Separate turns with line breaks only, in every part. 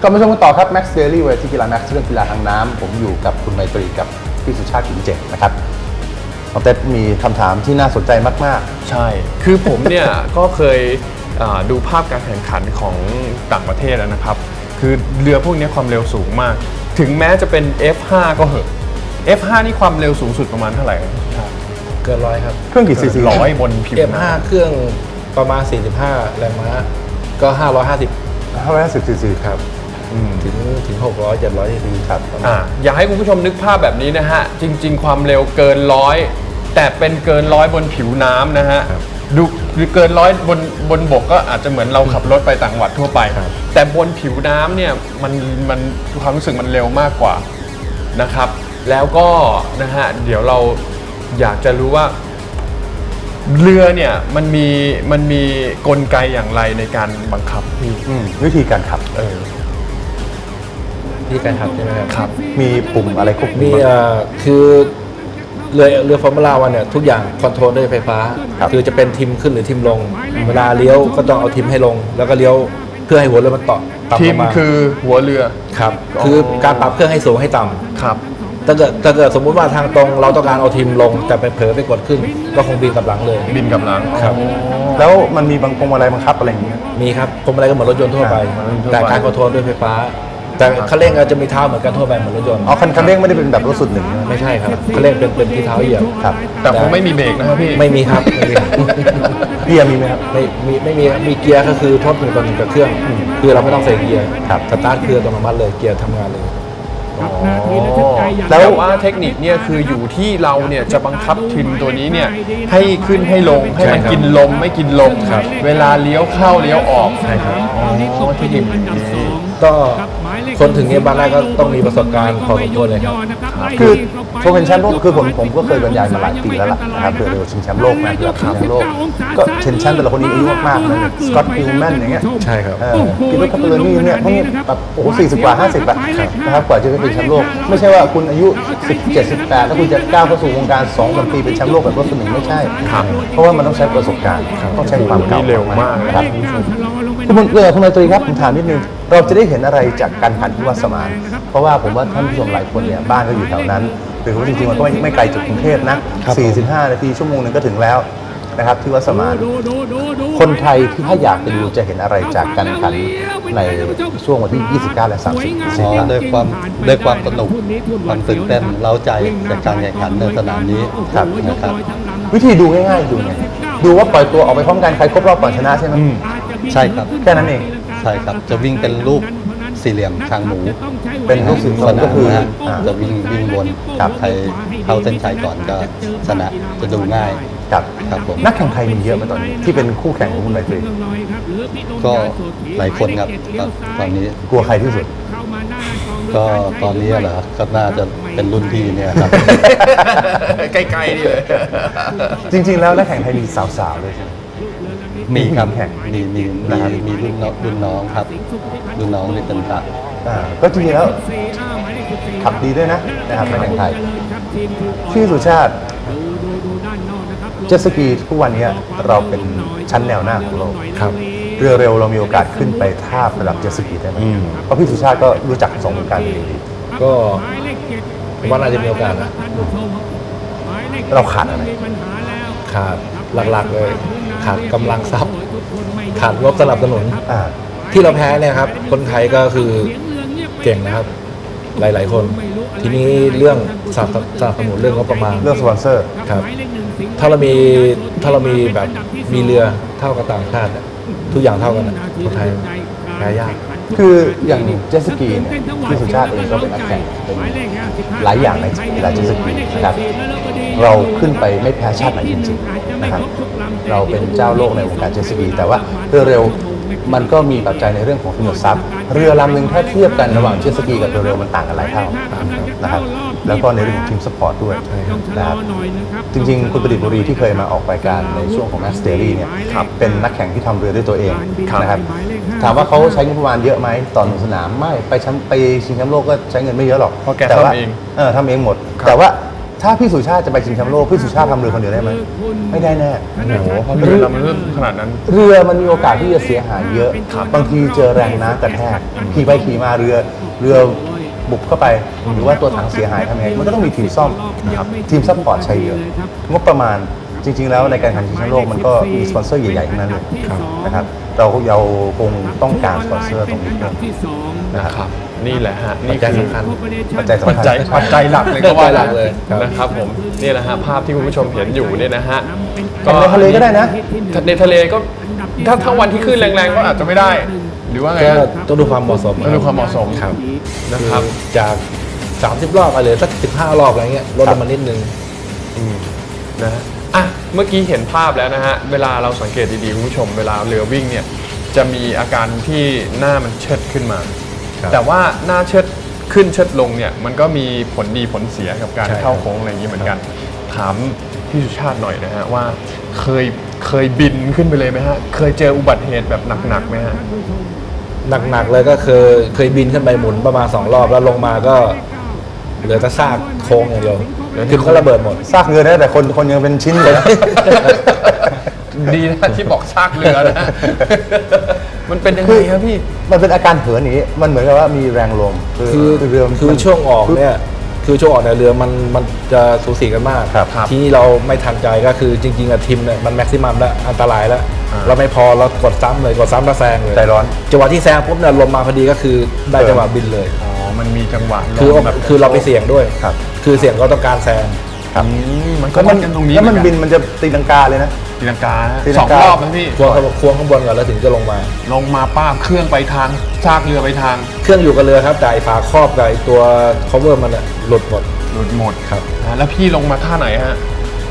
ก็มาชมกันต่อครับ Max Daily เวทีกีฬา Max เรื่องกีฬาทางน้ำผมอยู่กับคุณไมตรีกับพี่สุชาติ กินเจนะครับน้องเต้มีคำถามที่น่าสนใจมาก
ๆใช่คือผมเนี่ย ก็เคยดูภาพการแข่งขันของต่างประเทศแล้วนะครับคือเรือพวกนี้ความเร็วสูงมากถึงแม้จะเป็น F5 ก็เหอะ F5 นี่ความเร็วสูงสุดประมาณเท่าไหร่ครับ
เกิน100ครับ
เครื่องกี่ซีซี
100บนผิวน้ำ
F5 เครื่องประมาณ45แรงม้าก็550
ซีซี
ครับถึง600 700ซีซีครับ
อยากให้คุณผู้ชมนึกภาพแบบนี้นะฮะจริงๆความเร็วเกิน100แต่เป็นเกิน100บนผิวน้ำนะฮะดูเกิน100บนบกก็อาจจะเหมือนเราขับรถไปต่างจังหวัดทั่วไปแต่บนผิวน้ำเนี่ยมันความรู้สึกมันเร็วมากกว่านะครับแล้วก็นะฮะเดี๋ยวเราอยากจะรู้ว่าเรือเนี่ยมันมีกลไกอย่างไรในการบังคับ
วิธีการขับ
วิธีการขับใช่ไหมครับ
มีปุ่มอะไรควบคุม
มีคือเรือฟอร์มูล่าวันเนี่ยทุกอย่างคอนโทรลด้วยไฟฟ้าคือจะเป็นทิมขึ้นหรือทิมลงเวลาเลี้ยวก็ต้องเอาทิมให้ลงแล้วก็เลี้ยวเพื่อให้หัวเรือมันต่ำ
ทิมคือหัวเรือ
ครับคือการปรับเครื่องให้สูงให้ต่ำ
ครับ
ถ้าเกิดสมมุติว่าทางตรงเราต้องการเอาทิมลงแต่ไปเผลอไปกดขึ้นก็คงบินกับหลังเลย
บินกับหลัง
ครับ
แล้วมันมีบางพวงมาลัยบังคับอะไรอย่างเงี้ย
มีครับพวงมาลัยก็เหมือนรถยนต์ทั่วไปแต่การคอนโทรลด้วยไฟฟ้าแต่คันเร่งจะมีเท้าเหมือนกันทั่วไปเหมือนรถยนต์
คันเร่งไม่ได้เป็นแบบรถสุดหนึ่ง
ไม่ใช่ครับคันเร่งเป็นที่เท้าเหยียบ
ครับ
แต่คงไม่มีเบรกนะครับพี่
ไม่มีครับ
เกียร์มีไหมครับ
ไม่มีเกียร์ก็คือทดหนึ่งต่อหนึ่งกับเครื่องคือเราไม่ต้องใส่เกียร์สตาร์ทเครื่องอัตโนมัติเลยเกียร์ทำงานเลย
แล้วว่าเทคนิคเนี่ยคืออยู่ที่เราเนี่ยจะบังคับทิมตัวนี้เนี่ยให้ขึ้นให้ลงให้มันกินลมไม่กินลมเวลาเลี้ยวเข้าเลี้ยวออก
ใช่ครับที่ดินก็คนถึงเนี่ยบ้านแรกก็ต้องมีประสบการณ์พอสมควรเลยครับ
คือผมเป็นแชมป์โลกคือผมก็เคยบรรยายมาหลายปีแล้วล่ะนะครับเรือชิงแชมป์โลกนะคือชิงแชมป์โลกก็เชนแชมป์แต่ละคนนี้อายุมากๆนะสกอตต์ ฮิลแมนอย่างเงี้ย
ใช่ครับ
กิโลคาร์เบอร์นี่เนี่ยพวกนี้แบบโอ้โห40 กว่า50แบบนะครับกว่าจะเป็นแชมป์โลกไม่ใช่ว่าคุณอายุ17 18แล้วคุณจะก้าวเข้าสู่วงการ2-3 ปีเป็นแชมป์โลกแบบรถคนหนึ่งไม่ใช่เพราะว่ามันต้องใช้ประสบการณ์ต้องใช้ความเก่า
เร็วมาก
ครับคุณนายตรีครับผมถามนิดนึงเราจะได้เห็นอะไรจากการแข่งขันที่วัดสมานเพราะว่าผมว่าท่านผู้ชมหลายคนเนี่ยบ้านก็อยู่แถวนั้นหรือว่าจริงๆมันก็ไม่ไกลจากกรุงเทพนะ45 นาทีชั่วโมงนึงก็ถึงแล้วนะครับที่วัดสมานคนไทยที่ถ้าอยากไปดูจะเห็นอะไรจากการแข่งขันในช่วงวันที่29และ30
ด้วยความสนุกความตื่นเต้นเร้าใจจากการแข่งขันในสนามนี้นะครับ
วิธีดูง่ายๆดูไงดูว่าปล่อยตัวออกไปพร้อมกันใครครบรอบก่อนชนะใช่ไหม
ใช่ครับ
แค่นั้นเอง
ใช่ครับจะวิ่งเป็นรูปสี่เหลี่ยมคางหมู
เป็นรูปสี่เหลี่ยมก็คือ
จะวิ่งวนใครเข้าเส้นชัยก่อนก็ชนะจะดูง่ายครับผม
นักแข่งไทยมีเยอะไหมตอนนี้ที่เป็นคู่แข่งของคุณไมตรี
ก็หลายคนครับตอนนี้
กลัวใครที่สุด
ก็ตอนนี้เหรอก็น่าจะเป็นรุ่นพี่เนี่ยครับ
ใกล้ๆนี่เลย
จริงๆแล้วนักแข่งไทยมีสาวๆเลยใช่ไหม
มีครับแข่งมีรุ่นน้องครับรุ่นน้องนี่เป็นตัด
ก็จริงๆแล้วขับดีด้วยนะครับในแข่งไทยชื่อสุชาติเจ็ตสกีทุกวันนี้เราเป็นชั้นแนวหน้าของโลกเรือเร็วเรามีโอกาสขึ้นไปทาบระดับเจ็ตสกีได้ไหมเพราะพี่สุชาติก็รู้จัก2 วงการดี
ก็ว่าน่าจะมีโอกาสนะ
เราขาดอะไร
ขาดหลักๆเลยขาดกำลังทรัพย์ขาดงบสนับสนุนที่เราแพ้เนี่ยครับคนไทยก็คือเก่งนะครับหลายๆคนทีนี้เรื่องสนับสนุนเรื่องงบประมาณ
เรื่องสปอนเซอร์
ครับถ้าเรามีแบบมีเรือเท่ากับต่างชาติทุกอย่างเท่ากันคนไทยแพ้ยาก
คืออย่างเจ็ตสกีเนี่ยพี่สุชาติเองก็เป็นนักแข่งเป็นหลายอย่างในกีฬาเจ็ตสกีนะครับเราขึ้นไปไม่แพ้ชาติไหนจริงๆนะครับเราเป็นเจ้าโลกในวงการเจ็ตสกีแต่ว่าเรือเร็วมันก็มีปัจจัยในเรื่องของทุนทรัพย์เรือลำหนึ่งถ้าเทียบกันระหว่างเจ็ตสกีกับเรือเร็วมันต่างกันหลายเท่านะครับแล้วก็ในเรื่องของทีมสปอร์ตด้วยนะครับจริงๆคุณประดิษฐ์บุรีที่เคยมาออกรายการในช่วงของ Max Daily เนี่ยเป็นนักแข่งที่ทำเรือด้วยตัวเองนะครับถามว่าเขาใช้งบประมาณเยอะไหมต่อ1 สนามไม่ไปชิงแชมป์โลกก็ใช้เงินไม่เยอะหรอก
แต่ว่าทำเอง
ทำเองหมดแต่ว่าถ้าพี่สุชาติจะไปชิงแชมป์โลกพี่สุชาติทำเรือคนเดียวได้ไหมไม่ได้แน่
โอ้โหเพราะเรือลำเริ่มขนาดนั้น
เรือมันมีโอกาสที่จะเสียหายเยอะบางทีเจอแรงน้ำกระแทกขี่ไปขี่มาเรือบุกเข้าไปหรือว่าตัวถังเสียหายทำยังไงมันก็ต้องมีทีมซ่อมนะครับทีมซัพพอร์ตใช้เยอะงบประมาณจริง ๆ แล้วในการแข่งขันชิงแชมป์โลกมันก็มีสปอนเซอร์ใหญ่ๆทั้งนั้นเลยนะครับเราคงต้องการสปอนเซอร์ตรงนี้ด้วยนะครับ
ครับนี่แหละฮะ
ปัจจัยสำคัญ
ปัจจัยสำ
ปัจ
คัญ
จัยหลักเลยก็ว่า
ปัจจัยหลักเลยครับ
นะครับผมนี่แหละฮะภาพที่คุณผู้ชมเห็นอยู่เนี่ยนะฮะ
แข่งในทะเลก็ได้นะ
ในทะเลก็ถ้าวันที่คลื่นแรงๆก็อาจจะไม่ได้ หรือว่าไง
ก็
ฮะ
ต้องดูความเหมาะสม
ต้องดูความเหมาะสม
ครับ
นะครับ
จาก 30 รอบไปเหลือสัก 15 รอบอะไรเงี้ยลดลงมานิดนึง
นะฮะอ่ะเมื่อกี้เห็นภาพแล้วนะฮะเวลาเราสังเกตดีๆคุณผู้ชมเวลาเรือวิ่งเนี่ยจะมีอาการที่หน้ามันเชิดขึ้นมา
ครับ
แต่ว่าหน้าเชิดขึ้นเชิดลงเนี่ยมันก็มีผลดีผลเสียกับการ
ใช่
เข้าโค้งอะไรอย่างนี้เหมือนกัน ถามพี่สุชาติหน่อยนะฮะว่าเคยบินขึ้นไปเลยไหมฮะเคยเจออุบัติเหตุแบบหนักๆไหมฮะ
หนักๆเลยก็เคยบินขึ้นไปหมุนประมาณ 2 รอบแล้วลงมาก็เหลือแต่ซากโค้งอย่างเดียวคือมันก็ระเบิดหมด
ซากเรือได้แต่คนยังเป็นชิ้นเลยนะ
ดีนะที่บอกซากเรือนะ มันเป็นยังไงครับพี่
มันเป็นอาการเหินอย่างนี้มันเหมือนกับว่ามีแรงลม
คือ
เรือมัน
คือช่วงออกเนี่ยคือช่วงออกในยเรือมันจะสูสีกันมาก
ครับ
ทีนี้เราไม่ทันใจก็คือจริงๆอะทีมเนี่ยมันแม็กซิมัมแล้วอันตรายแล้ว
อ่า
เราไม่พอเรากดซ้ำเลยกดซ้ำแล้วแซงเลย
ใจร้อน
จังหวะที่แซงปุ๊บเนี่ยลมมาพอดีก็คือได้จังหวะบินเลย
อ๋อมันมีจังหวะล
คือ
มแบบ
คือเราไปเสี่ยงด้วย
ครับ
คือเสี่ยงก็ต้องการแซง
ครับ
มันก็วัดกันตรงนี้
แล้วมัน
เหอ
บินมันจะตีลังกาเลยนะ
ตีลังกา
ตี
ส
ลั
อง
งการ ร
อบนะพี่
ควงข้างบนก่อนแล้วถึงจะลงมา
ลงมาป้าบเครื่องไปทางซากเรือไปทาง
เครื่องอยู่กับเรือครับแต่ไอ้ฝาครอบกับไอ้ตัว cover มันอะหลุดหมด
หลุดหมด
ครับ
แล้วพี่ลงมาท่าไหนฮะ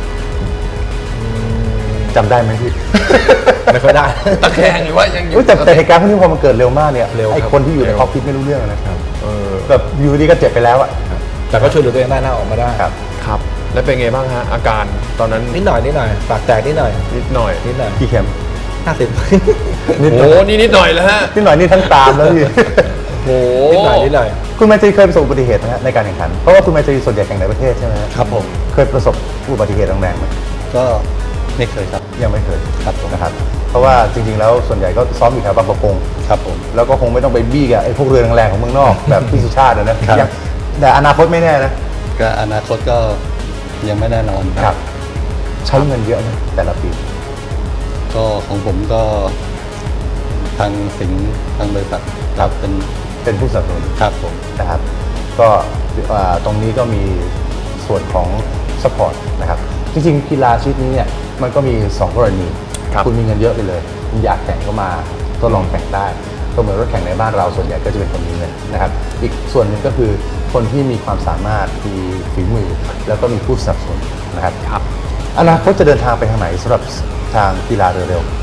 จำได้ไหมพี่
ไม่ค่อยได้
ตะแคงหรือว่ายังอยู่
อุ๊ยแต่เหตุการณ์พวกนี้พอมันเกิดเร็วมากเนี่ย
เร็วครับ
ไอ้คนที่อยู่ใน
เร็ว
คอกพิทไม่รู้เรื่องนะครับ
เออ
แบบอยู่ดีก็เจ็บไปแล้วอะ
แต่ก็ช่วยเหลือตัวเองได้หน้าออกมาได้
ครับ
ครับ แล้วเป็นไงบ้างฮะอาการตอนนั้น
นิดหน่อยปากแตกนิดหน่อย
นิดหน่อย
นิดหน่อย
กี่เข็ม
50
นิดห
โอ้
น่อย
นี่นิดหน่อยแล้วฮะ
นิดหน่อยนี่ทั้งตามแล้วพี่
โอ้
นิดหน่อย
คุณไมตรีเคยประสบอุบัติเหตุไหมฮะในการแข่งขัน เพราะว่าคุณไมตรีส่วนใหญ่แข่งในประเทศใช่ไหมฮะ
ครับผม
เคยประสบอุบัติเหตุแรงๆไหม
ก็ไม่เคยครับ
ยังไม่เคย
ครับผม
นะครับ เพราะว่าจริงๆแล้วส่วนใหญ่ก็ซ้อมอยู่แถวบางประกง
ครับผม
แล้วก็คงไม่ต้องไปบี้กับไอ้พวกเรือแรงๆของเมืองนอก แบบพี่สุชาตินะครับ ยังแต่อนาคตไม่แน่นะ
ก็อนาคตก็ยังไม่แน่นอน
ครับ ใช้เงินเยอะนะแต่ละปี
ก็ของผมก็ทางสิงห์ทางบริษัทครับ
เป็นผู้สนับสนุน
ครับผม
นะครับ ก็ตรงนี้ก็มีส่วนของสปอร์ตนะครับ จริงๆกีฬาชนิดนี้เนี่ยมันก็มี 2 กรณี
ครับ
คุณมีเงินเยอะไปเลยคุณอยากแข่งก็มาทดลองแข่งได้ก็เหมือนรถแข่งในบ้านเราส่วนใหญ่ก็จะเป็นคนมีเงินนะครับ อีกส่วนหนึ่งก็คือคนที่มีความสามารถมีฝีมือ แล้วก็มีผู้สนับสนุนนะครับ
ครับ
อนาคตจะเดินทางไปทางไหนสำหรับทางกีฬาเรือเร็ว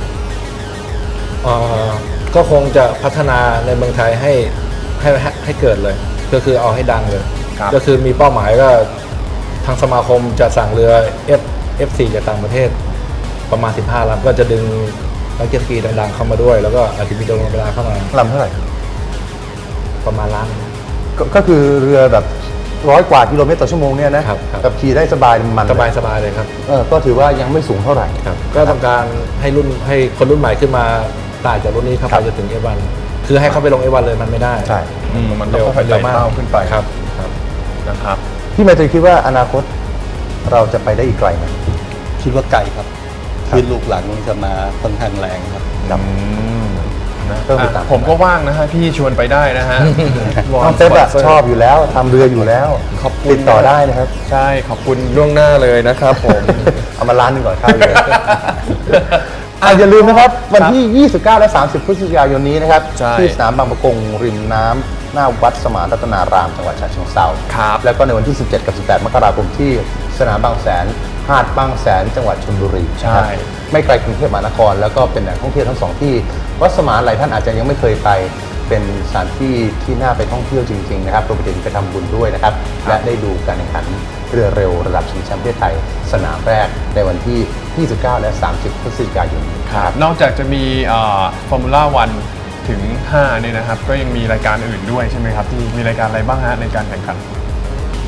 ก็คงจะพัฒนาในเมืองไทยให้เกิดเลย ก็คือเอาให้ดังเลย
ครับ
ก็คือมีเป้าหมายก็ทางสมาคมจะสั่งเรือ F4 จากต่างประเทศประมาณ15ลำก็จะดึงนักเจ็ตสกีดังๆเข้ามาด้วย แล้วก็อาจจะมีโดรนเวลาเข้ามา
ลำเท่าไหร่
ประมาณล้าน
ก็คือเรือแบบ100 กว่ากิโลเมตรต่อชั่วโมงเนี่ยนะครับ
ครับ
กับขี่ได้สบายมัน
สบายเลยครับ
ก็ถือว่ายังไม่สูงเท่าไหร่
ครับ ก็ต้องการให้คนรุ่นใหม่ขึ้นมาต่างจากรุ่นนี้เข้า
ครั
ไป
บ
จนถึง F1 คือให้เขาไปลง F1 เลยมันไม่ได้
ใช่
มันต้องค่อยๆไต่เต้าขึ้นไป
ครับ
นะครับ
พี่ไมตรีคิดว่าอนาคตเราจะไปได้อีกไกลไหม
คิดว่าไกลครับคือลูกหลังจะมาค่อนข้างแรงครับ
ครับ
นะ
ก็ติดตาม
ผมก็ว่างนะฮะพี่ชวนไปได้นะฮะ
น้องเซฟอะชอบอยู่แล้วทำเรืออยู่แล้ว
ขอบคุณ
ติดต่อได้นะครับ
ใช่ขอบคุณล่วงหน้าเลยนะครับผม
เอามาล้านหนึงก่อนค่าเรืออย่าลืมนะครับวันที่ 29 และ 30 พฤศจิกายนนี้นะครับ
ใช่
ที่สนามบางประกงริมน้ำหน้าวัดสมานรัตนารามจังหวัดฉะเชิงเทรา
ครับ
แล้วก็ในวันที่ 17 กับ 18 มกราคมที่สนามบางแสนหาดบางแสนจังหวัดชลบุรี
ใช่
นะครับไม่ไกลกรุงเทพมหานคร แล้วก็เป็นแหล่งท่องเที่ยวทั้งสองที่วัดสมานหลายท่านอาจจะยังไม่เคยไปเป็นสถานที่ที่น่าไปท่องเที่ยวจริงๆนะครับรวมไปถึงไปทำบุญด้วยนะครับและได้ดูการแข่งขันเรือเร็วระดับชิงแชมป์ประเทศไทยสนามแรกในวันที่ 29 และ 30 พฤศจิกายนนี้
ครับนอกจากจะมีฟอร์มูล่าวันถึง5เนี่ยนะครับ ก็ยังมีรายการอื่นด้วยใช่ไหมครับที่มีรายการอะไรบ้างฮะในการแข่งขัน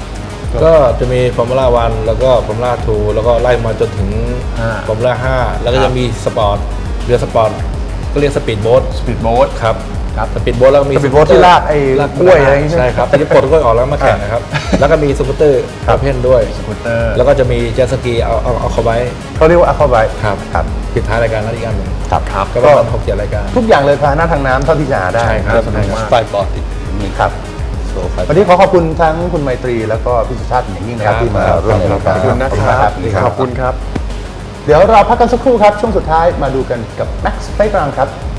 ก็จะมีฟอร์มูล่าวันแล้วก็ฟอร์มูล่าทูแล้วก็ไล่มาจนถึง
อ่า
ฟอร์มูล่า5แล้วก็จะมีสปอร์ตเรือสปอร์ตก็เรียกสปีดโบ๊ท
สปีดโบ๊ท
ครับสปีดโบ๊ทแล้วก็มี
สปีดโบ๊ทที่ลากไอ้กล้วยอะไรอย่างงี้ใช่ไหม
ใช่ครับที่ปลดกล้วยออกแล้วมาแข่งนะครับแล้วก็มีสกูตเตอร์ประเภทด้วย
สกูตเตอร์
แล้วก็จะมีเจ็ตสกีเอาเข้าไว้
เขาเรียกว่าอัลฟาไบ
ครับ
ครับ
ปิดท้ายรายการนั้นอีกอันหนึ่ง
ครับ
ก็ประมาณ6-7รายการ
ทุกอย่างเลยพาหนะทางน้ำเท่าที่จะหาได้
ใช่ครับ
สนุกมาก
ไฟบอร์ดอีกหนึ่ง
ครับ
โซไฟ
วันนี้ขอขอบคุณทั้งคุณไมตรีแล้วก็พี่สุชาติอย่างยิ่งนะครับ
ครับ
ที่มาร่วมในรายการ
ขอบคุณนะครับ ขอบคุณครับ
เดี๋ยวเราพักกันสักครู่ครับ ช่วงสุดท้ายมาดูกันกับ Max Playground ครับ